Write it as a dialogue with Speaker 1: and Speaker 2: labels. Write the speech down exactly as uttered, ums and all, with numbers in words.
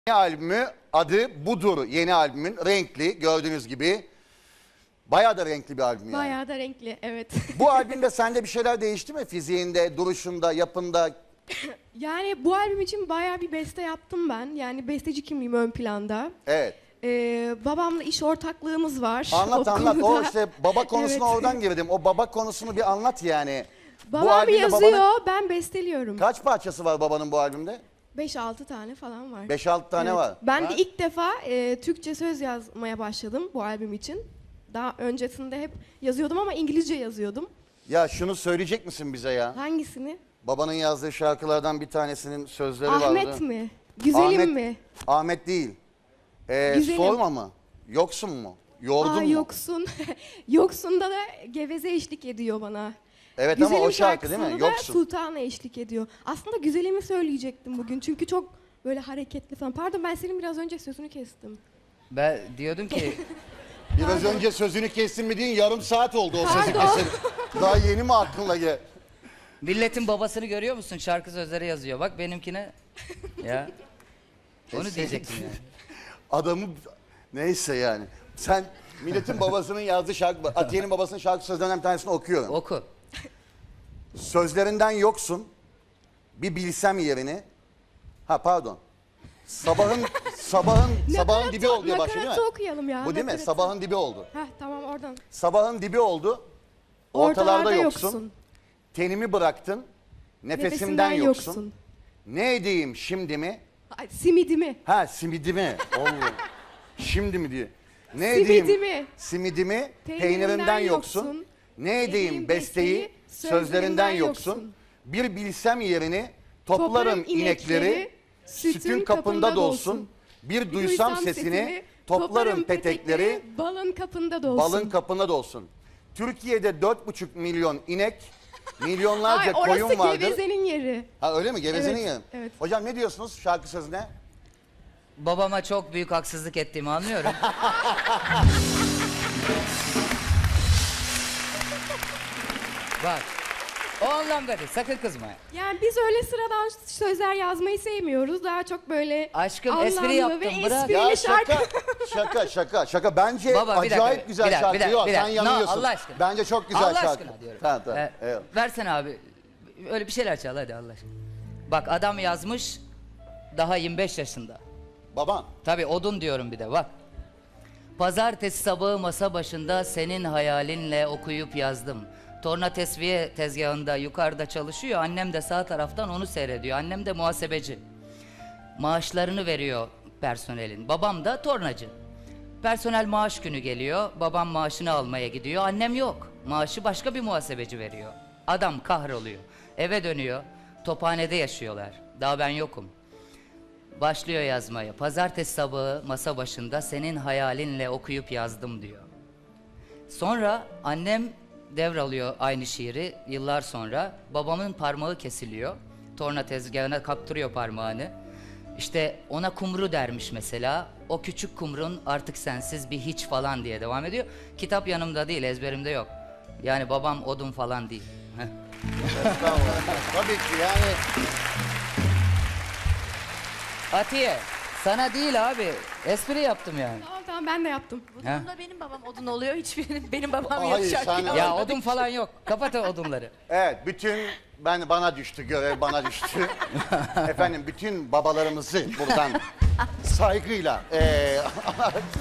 Speaker 1: Yeni albümü adı budur. Yeni albümün renkli gördüğünüz gibi. Bayağı da renkli bir albüm yani.
Speaker 2: Bayağı da renkli, evet.
Speaker 1: Bu albümde sende bir şeyler değişti mi? Fiziğinde, duruşunda, yapında?
Speaker 2: Yani bu albüm için bayağı bir beste yaptım ben. Yani besteci kimliğim ön planda.
Speaker 1: Evet.
Speaker 2: Ee, babamla iş ortaklığımız var.
Speaker 1: Anlat
Speaker 2: o
Speaker 1: anlat. O
Speaker 2: konuda.
Speaker 1: işte baba konusuna
Speaker 2: Evet.
Speaker 1: oradan girdim. O baba konusunu bir anlat yani.
Speaker 2: Babam
Speaker 1: albümde
Speaker 2: yazıyor,
Speaker 1: babanın
Speaker 2: ben besteliyorum.
Speaker 1: kaç parçası var babanın bu albümde?
Speaker 2: beş altı tane falan var.
Speaker 1: beş altı tane
Speaker 2: Evet.
Speaker 1: var.
Speaker 2: Ben
Speaker 1: Ha?
Speaker 2: de ilk defa e, Türkçe söz yazmaya başladım bu albüm için. Daha öncesinde hep yazıyordum ama İngilizce yazıyordum.
Speaker 1: Ya şunu söyleyecek misin bize ya?
Speaker 2: Hangisini?
Speaker 1: Babanın yazdığı şarkılardan bir tanesinin sözleri vardı.
Speaker 2: Ahmet mi? Güzelim
Speaker 1: Ahmet,
Speaker 2: mi?
Speaker 1: Ahmet değil. Ee,
Speaker 2: Güzelim.
Speaker 1: sorma mı? Yoksun mu? Yordun
Speaker 2: Aa,
Speaker 1: mu?
Speaker 2: yoksun. Yoksunda da Geveze eşlik ediyor bana.
Speaker 1: Evet
Speaker 2: Güzelim
Speaker 1: ama o şarkı değil mi?
Speaker 2: şarkısında da
Speaker 1: Yoksun.
Speaker 2: Sultan'a eşlik ediyor. Aslında Güzelim'i söyleyecektim bugün çünkü çok böyle hareketli falan. Pardon, ben senin biraz önce sözünü kestim.
Speaker 3: Ben diyordum ki
Speaker 1: Biraz önce sözünü kestin mi deyin, yarım saat oldu o sözü
Speaker 2: Pardon.
Speaker 1: kesin. Daha yeni mi aklına gel?
Speaker 3: milletin babasını görüyor musun? Şarkı sözleri yazıyor. Bak benimkine. Ya. Onu
Speaker 1: Kesin.
Speaker 3: diyecektim yani.
Speaker 1: Adamı neyse yani. Sen milletin babasının yazdığı şarkı, Atiye'nin babasının şarkı sözlerinden bir tanesini okuyorum.
Speaker 3: Oku.
Speaker 1: Sözlerinden yoksun. Bir bilsem yerini. Ha pardon. Sabahın sabahın sabahın
Speaker 2: Nakaratı-
Speaker 1: dibi oldu diye başlıyor değil
Speaker 2: nakaratı
Speaker 1: mi?
Speaker 2: okuyalım ya.
Speaker 1: Bu değil mi?
Speaker 2: nakaratı.
Speaker 1: Sabahın dibi oldu.
Speaker 2: Heh, tamam oradan.
Speaker 1: Sabahın dibi oldu. Ortalarda,
Speaker 2: Ortalarda
Speaker 1: yoksun.
Speaker 2: yoksun.
Speaker 1: Tenimi bıraktın. Nefesimden, yoksun. Ne edeyim şimdi mi?
Speaker 2: Ay, simidimi.
Speaker 1: Ha simidimi. Allah. Şimdi mi diye. Ne
Speaker 2: Simidimi.
Speaker 1: edeyim? Simidimi.
Speaker 2: Peynirimden
Speaker 1: Peynirinden yoksun.
Speaker 2: yoksun.
Speaker 1: Ne edeyim?
Speaker 2: Edeyim
Speaker 1: Besteyi
Speaker 2: besteyi,
Speaker 1: sözlerinden
Speaker 2: sözlerinden
Speaker 1: yoksun.
Speaker 2: yoksun.
Speaker 1: Bir bilsem yerini toplarım
Speaker 2: Toplarım
Speaker 1: inekleri.
Speaker 2: inekleri,
Speaker 1: Sütün kapında dolsun. Bir duysam sesini toplarım petekleri.
Speaker 2: balın kapında dolsun.
Speaker 1: Balın kapında dolsun. Türkiye'de dört buçuk milyon inek, milyonlarca
Speaker 2: Ay, orası
Speaker 1: koyun vardır.
Speaker 2: Geveze'nin yeri.
Speaker 1: Ha öyle mi? Gevezenin
Speaker 2: Evet,
Speaker 1: yeri.
Speaker 2: evet.
Speaker 1: Hocam ne diyorsunuz şarkı sözüne?
Speaker 3: Babama çok büyük haksızlık ettiğimi anlıyorum. Bak. O anlamda değil. Sakın kızma.
Speaker 2: Yani biz öyle sıradan sözler yazmayı sevmiyoruz. Daha çok böyle
Speaker 3: Aşkım,
Speaker 2: anlamlı
Speaker 3: espri yaptım,
Speaker 2: ve
Speaker 3: bırak.
Speaker 2: esprili
Speaker 1: Ya
Speaker 2: şarkı.
Speaker 1: şaka, şaka, şaka, şaka. Bence
Speaker 3: Baba, bir
Speaker 1: acayip
Speaker 3: dakika,
Speaker 1: güzel
Speaker 3: bir dakika,
Speaker 1: şarkı.
Speaker 3: bir dakika,
Speaker 1: Yok,
Speaker 3: bir
Speaker 1: sen
Speaker 3: dakika. No,
Speaker 1: yanılıyorsun.
Speaker 3: Allah aşkına.
Speaker 1: Bence çok güzel
Speaker 3: Allah
Speaker 1: şarkı.
Speaker 3: aşkına diyorum.
Speaker 1: Tamam, tamam.
Speaker 3: Ee,
Speaker 1: Evet.
Speaker 3: Versene abi. Öyle bir şeyler çal hadi Allah aşkına. Bak adam yazmış daha yirmi beş yaşında.
Speaker 1: Baban.
Speaker 3: Tabii odun diyorum bir de bak. Pazartesi sabahı masa başında senin hayalinle okuyup yazdım. Torna tesviye tezgahında yukarıda çalışıyor. Annem de sağ taraftan onu seyrediyor. Annem de muhasebeci. Maaşlarını veriyor personelin. Babam da tornacı. Personel maaş günü geliyor. Babam maaşını almaya gidiyor. Annem yok. Maaşı başka bir muhasebeci veriyor. Adam kahroluyor. Eve dönüyor. Tophanede yaşıyorlar. Daha ben yokum. Başlıyor yazmaya. Pazartesi sabahı masa başında senin hayalinle okuyup yazdım diyor. Sonra annem devralıyor aynı şiiri yıllar sonra. Babamın parmağı kesiliyor. Torna tezgahına kaptırıyor parmağını. İşte ona kumru dermiş mesela. O küçük kumrun artık sensiz bir hiç falan diye devam ediyor. Kitap yanımda değil, ezberimde yok. Yani babam odun falan değil. Heh.
Speaker 1: Estağfurullah. Tabii ki yani.
Speaker 3: Atiye, sana değil abi. Espri yaptım yani.
Speaker 2: Tamam tamam, ben de yaptım.
Speaker 4: Bu
Speaker 3: Ha?
Speaker 4: durumda benim babam odun oluyor. Hiçbirinin benim babam
Speaker 1: Hayır,
Speaker 4: yok şarkı.
Speaker 1: sen-
Speaker 3: Ya odun falan yok. Kapat o odunları.
Speaker 1: Evet, bütün ben bana düştü, görev bana düştü. Efendim bütün babalarımızı buradan saygıyla eee